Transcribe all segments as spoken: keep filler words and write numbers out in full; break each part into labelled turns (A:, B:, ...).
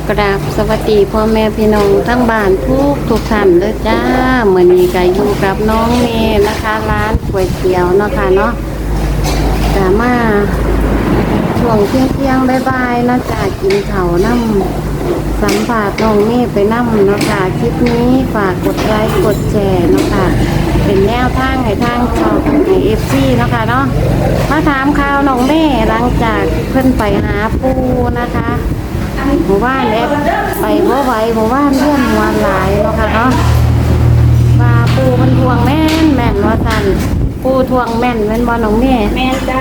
A: กราบสวัสดีพ่อแม่พี่น้องทั้งบ้านทุกทุกท่านเลยจ้าเหมือนมีกันอยู่กับน้องเมย์นะคะร้านก๋วยเตี๋ยวเนาะค่ะเนาะจะมาช่วงเที่ยงเที่ยงบ่ายๆนะจ๊ะกินข้าวน้ำสัมผัสน้องเมย์ไปน้ำเนาะค่ะคลิปนี้ฝากกดไลค์กดแชร์เนาะค่ะเป็นแนวทางให้ทางช่องให้เอฟซีเนาะค่ะเนาะมาถามข่าวน้องเมย์หลังจากเพิ่นไปหาปูนะคะหมู่บ้านเอฟไปบ่ไหวหมู่บ้านเลื่อนหัวหลายเนาะค่ะเนาะว่าปูมันทวงแม่นแม่นว่าสั่นปูทวงแม่นแม่นบ่น้องเมย์
B: แม่จ้า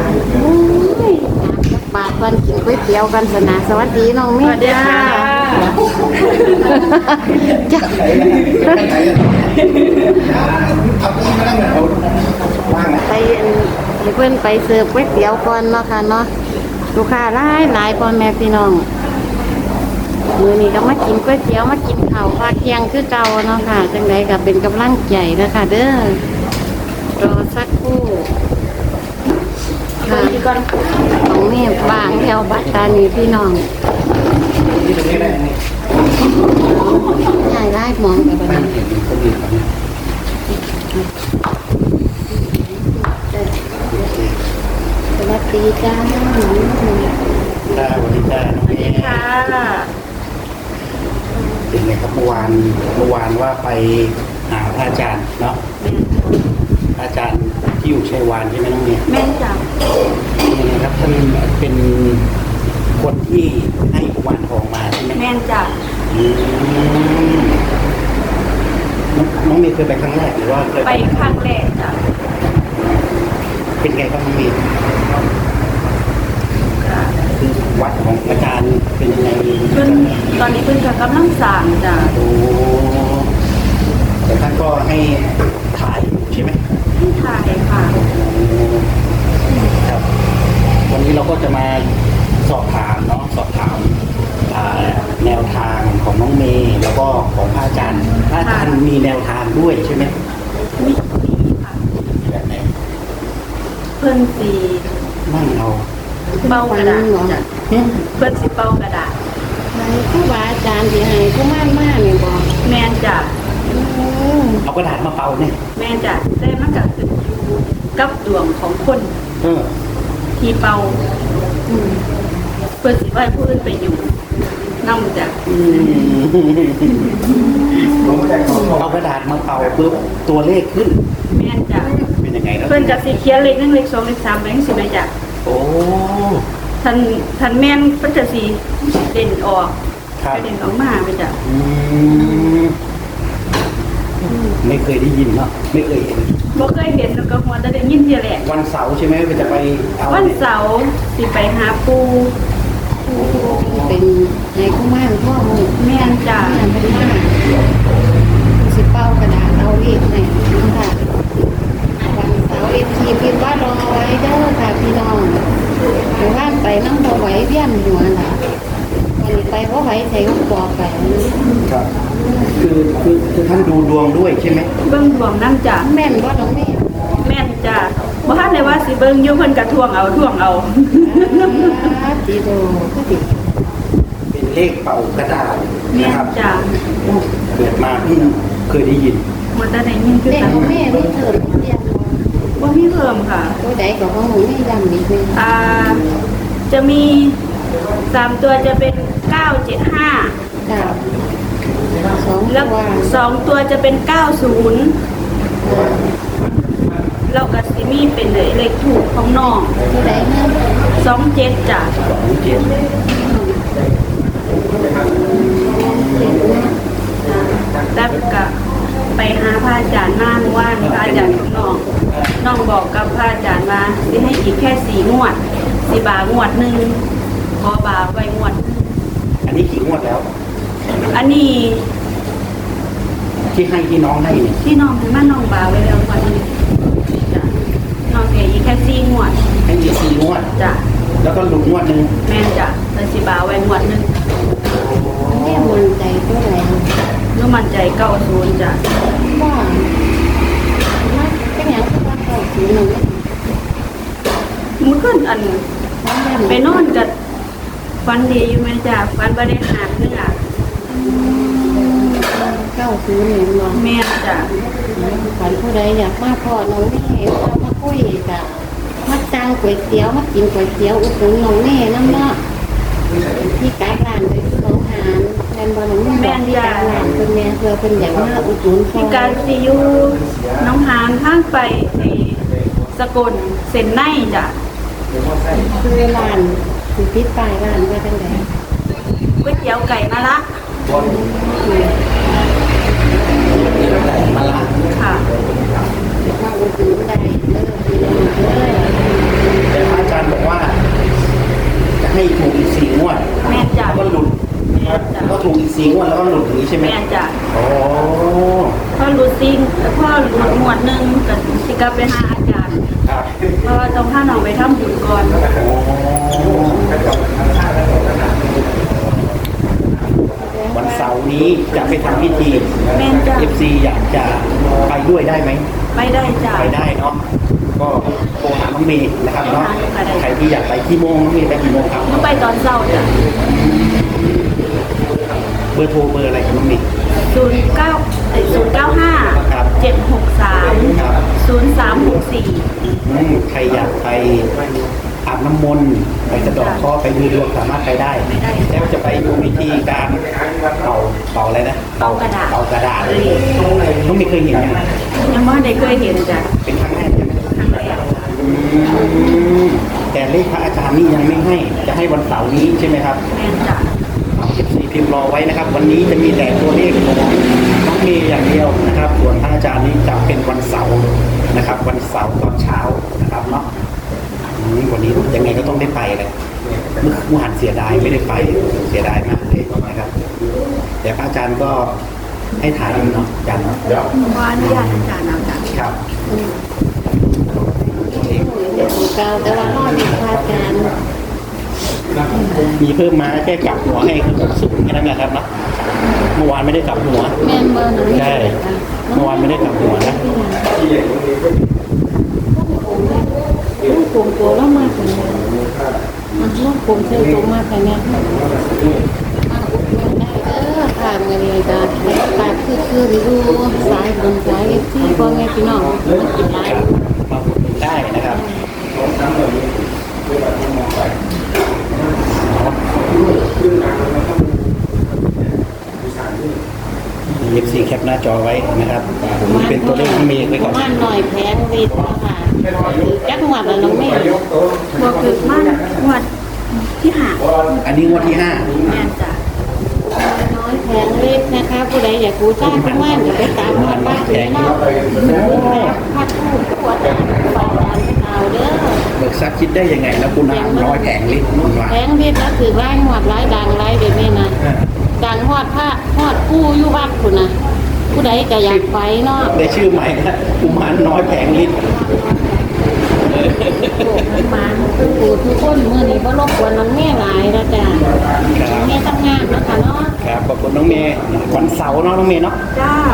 A: บาทวันกินก๋วยเตี๋ยวกันสนะสวัสดีน้องเม
B: ส
A: ย์
B: วัสดีค่ะ
A: จ้าไปให้เพื่อนไปเสิร์ฟก๋วยเตี๋ยวก่อนเนาะค่ะเนาะลูกค้าหลายหลายพ่อแม่พี่น้องมื้อนี้ก็มากินก๋วยเตี๋ยวมากินข้าวภาคเที่ยงคือเก่าเนาะค่ะจังไดก็เป็นกำลังใจนะคะเด้อรอสักครู่ค่ะของนี่บางแถวบัตตานีพี่น้องใหญ่ไล่มองไปบ้านสวัสดีจ้าน้องหนู
C: จ้าวันนี้จ้าน้องเมย์
B: ค่ะ
C: เป็นไงครับเมื่อวานเมื่อวานว่าไปหาพระอาจารย์เนาะพระอาจารย์ที่อยู่ชัยวานใช่ไหมน้องเมย์
B: แม่จ้า
C: ยังไงครับท่านเป็นคนที่ให้กุมารทองมาใช่ไหม
B: แม่จ้า
C: อืมน้องน้องเมย์เคยไปครั้งแรกหรือว่าเคย
B: ไปครั้งแรกจ้า
C: เป็นไงครับน้องเมย์คือวัดของอาจารย์เป็นยังไง
B: เพิ่นตอนนี้เพิ่นก็กำลังสร้างจ้า
C: โอ้แต่ท่านก็ให้ถ่ายอยู่ใช่ไหม
B: ที่ไทยค่ะ
C: ครับวันนี้เราก็จะมาสอบถามเนาะสอบถามอ่าแนวทางของน้องเมย์แล้วก็ของพระอาจารย์พระอาจารย์มีแนวทางด้วยใช่ไหม
B: มีมีค่ะ
C: แบบไหน
B: เพิ่นสี
C: นั่งเอา
B: เป่ากระดาษจ้ะ
C: เนี่ย
B: เพิ่นสิเป่ากระดาษ
A: ผู้บาอาจารย์ที่ให้ผู้ม่านมากเนี่ยบอก
B: แม่จ้า
C: เอากระดาษมาเป่าเนี่ย
B: แม่จ้าได้มันก็ขึ้นอยู่กับดวงของคน
C: เออ
B: ที่เป่าเพิ่นสิว่าผู้อื่นไปอยู่นั่งจ้ะ
C: อืมเอากระดาษมาเป่าปุ๊บตัวเลขขึ้น
B: แม่จ้า
C: เป็นยังไงแล้ว
B: เพิ่นก็สิเขียนเลขหนึ่งเลขสองเลขสามเลขสี่ไปจ้ะ
C: โอ้
B: ทันทันแม่นเพิ่นจะสิเด่นออก
C: ครับ
B: เด่นออกมาไปจ้ะ
C: อืมไม่เคยได้ยินเนาะไม่เคยเห็น
B: บ่เคยเห็นแล้วก็หัวแต่ได้ยินเทียแหละ
C: วันเสาร์ใช่ไหมมันจะไปเอา
B: วันเสาร์สิไปหาปู
A: เป็นให้ผู้ม่านพ่อมึง
B: แม่นจ้ะ
A: แม่นเป็นม่านสิเป้ากระดาษเอาเลขให้ค่ะวันเสาร์เอฟทีพิมพ์ว่ารอไว้เด้อค่ะพี่น้องหมู่บ้านไปนั่งพอไหวเวียนหัวน่ะวันนี้ไปพอไหวใส่ก็บอกไป
C: ครับคือคือคือท่านดูดวงด้วยใช่ไหม
B: เบิ่งดวงนำจ้ะ
A: แม่นว่าน้องแม่
B: แม่นจ้ะบ่ทันได้ว่าสิเบิ่งอยู่เพิ่นก็ทวงเอาทวงเอา
A: ตีโดก็ติด
C: เป็นเลขเป่ากระดาษ
B: แม่
C: นะ
B: น
C: ครับ
B: จ้ะ
C: เกิดมาเพิ่งเคยได้ยิน
B: หัวแต่ได้ยินคือ
A: เลข
B: กัน
A: ของแม่นี่เถิดเรียน
B: บ่มีเพิ่มค่ะ
A: ตัวใดก็ของหนูแม่ดำดีเลย
B: อ่าจะมีสามตัวจะเป็นเก้าเจ็ดห้า
A: ค่ะสอง
B: แล้ว
A: ตัว
B: สองตัวจะเป็นเก้าศูนย์แล้วก็สิมีเป็นเลขถูกของน้อง
A: ตัวใดเนี่ย
B: สองเจ็ดจ้ะ
C: สองเจ็ด
B: แล้วก็ไปหาพระอาจารย์มาเมื่อวานพระอาจารย์ของน้องน้องบอกกับพระอาจารย์ว่าสิให้อีกแค่สี่งวดสี่บาทงวดหนึ่งขอบาไว้งวดหนึ่ง
C: อันนี้กี่งวดแล้ว
B: อันนี้
C: ที่ให้ที่น้องให้เนี่ย
B: ที่น้องให้มาน้องบาไว้แล้วงวดหนึงจ้ะน้องเสียอีกแค่สี่งวด
C: ให้อีกสี่งวด
B: จ้ะ
C: แล้วก็หลุดงวดหนึ่ง
B: แม่นจ้ะแต่สิบาไว้งวดหนึง
A: แม่มันใจตัวไหน
B: นูมันใจเก้าศูนย์จ้ะ
A: ว่ามาเป็นอย่างที่ว่าเขาสีหนึ่ง
B: มือขึ้นอันไปนอนกับฟันดีอยู่ไหมจ้ะฟันบริหารเนื้อ
A: เก้าศูนย์หนึ่งเนาะ
B: แม่นจ้ะ
A: ฝันผู้ใดอยากมาพ่อน้องแม่เรามาคุยกับมาจ้างก๋วยเตี๋ยวมากินก๋วยเตี๋ยวอุดหนุนน้องแม่น้ำเนาะที่การร้านไปที่น้องหานแม่นบอลน้องแม่ที่การร้านเป็นแม่เพื่อเป็นอย่างมาอุดหนุนพ่อ
B: มีการซียูน้องหานทางไปในสกลเซ็นไนจ้ะ
A: คือร้านสิพิษปลายร้านไปตั้งแต่
B: ก๋วยเตี๋ยวไก่มะละ
C: มาละ
B: ค่ะ
A: มาอุดหนุนได้เลิกดีเลย
C: แต่พระอาจารย์บอกว่า จะให้ถูกอีกสี่งวด
B: แม่นจ้ะ
C: แล้วก็หลุด
B: แม่นจ้ะ
C: ก็ถูกอีกสี่งวดแล้วก็หลุดอย่างนี้ใช่ไหม
B: แม่นจ้ะ
C: โอ้
B: พ่อรู้ซิงพ่อรู้หมวดหนึ่งกับสิกลับไปหาอาจารย์
C: ครับ
B: เพราะว่าต้องพาน้องไปทำบุญก่อน
C: วันเสาร์นี้จะไปทำพิธี
B: แม่นจ้ะ
C: เอฟซีอยากจะไปด้วยได้ไหม
B: ไปได้จ้ะ
C: ไปได้เนาะ ก็โทรหาน้องเมย์นะครับเนาะ
B: ไปได้
C: ใครที่อยากไปที่โมงน้องเมย์ไปกี่โมงครับ
B: ต้องไปตอนเช้าจ้ะ
C: เบอร์โทรเบอร์อะไรครับน้องเมย์
B: ศูนย์เก้าศูนย์เก้าห้า
C: ครับ
B: เจ็ดหกสาม
C: ครับ
B: ศูนย์สามหกสี่
C: อืมใครอยากไปอาบน้ำมนต์ไปสะเดอกข้อไปดูดวงสามารถไปได้ แล้วจะไปดูวิธีการเป่าเป่าอะไรนะ
B: เป่ากระดาษ
C: เป่ากระดาษเลยน้องเมย์เคยเห็นไหม
B: ยังไม่ได้เคยเห็นจ้ะ
C: เป็นครั้งแรกใช่ไหม
B: ครั้งแรก
C: อืมแต่เลขพระอาจารย์นี่ยังไม่ให้ จะให้วันเสาร์นี้ใช่ไหมครับ
B: แม่นจ้ะ
C: เอาเอฟซีพิมพ์รอไว้นะครับ วันนี้จะมีแต่ตัวเลขของน้องเมย์อย่างเดียวนะครับ ส่วนพระอาจารย์นี้จะเป็นวันเสาร์นะครับ วันเสาร์ตอนเช้านะครับเนาะอืมวันนี้ยังไงก็ต้องได้ไปเลยเมื่อเมื่อวานเสียดายไม่ได้ไปเสียดายมากเลยนะครับแต่พระอาจารย์ก็ให้ถ่ายอยู่เนาะอาจารย์เนาะ
B: ว่าอนุญาตอาจารย์เอาจ้ะ
C: ครับ
A: เดี๋ยวเก่าแต่ว่าห้อดีพาการ
C: มีเพิ่มมาแค่กลับหัวให้คือหกศูนย์แค่นั้นนะครับเนาะเมื่อวานไม่ได้กลับหัว
A: แม่นเบอร์หนึ่ง
C: ใช่ เมื่อวานไม่ได้กลับหัวนะ
A: ลูกกลมตัวแล้วมากกว่านี้มันลูกกลมเส้นตรงมากกว่านี้มาอุดหนุนได้เด้อทางกันเลยจ้ะตาคือคือดูสายบุญสายที่พ่อแม่พี่น้องมันกินหลาย
C: มาอุดหนุนได้นะครับเอฟซีแคปหน้าจอไว้นะครับผมเป็นตัวเลขที่มีไว้ก่อน
A: ประมาณหน่อยแพงวิทย์ค่ะคือจักหวัดละน้องแม่
B: บวกคือมันงวดที่หา
C: อันนี้งวดที่ห้า
B: แม่นจ้ะ
A: น้อยแพงวิทย์นะคะผู้ใดอยากรู้จ้างทุกวันอย่าไปตามหอดบ้านเลยเนาะพัดผู้ปวดไปตามไปเอาเด้อ
C: เบิกทรัพย์คิดได้ยังไง แล้วคุณน้ำร้อยแผงลิตรนุ่นว่า
A: แพงวิทย์ก็คือไล่หอดไล่ดังไล่เดี๋ยวนี้นะดังหอดผ้าหอดผู้อยู่วัดคุณนะผู้ใดก็อยากไปเนาะ
C: ได้ชื่อใหม่นะกุมารน้อยแผงลิตร
A: โอ้มันมาทุกผู้ทุกคนเมื่อนี้ก็รบกวนน้องแม่หลายแล้วจ้ะน้องแม่ทำงานนะคะเนาะ
C: ครับขอบคุณน้องเมย์วันเสาร์เนาะน้องเมย์เนาะ
B: จ้า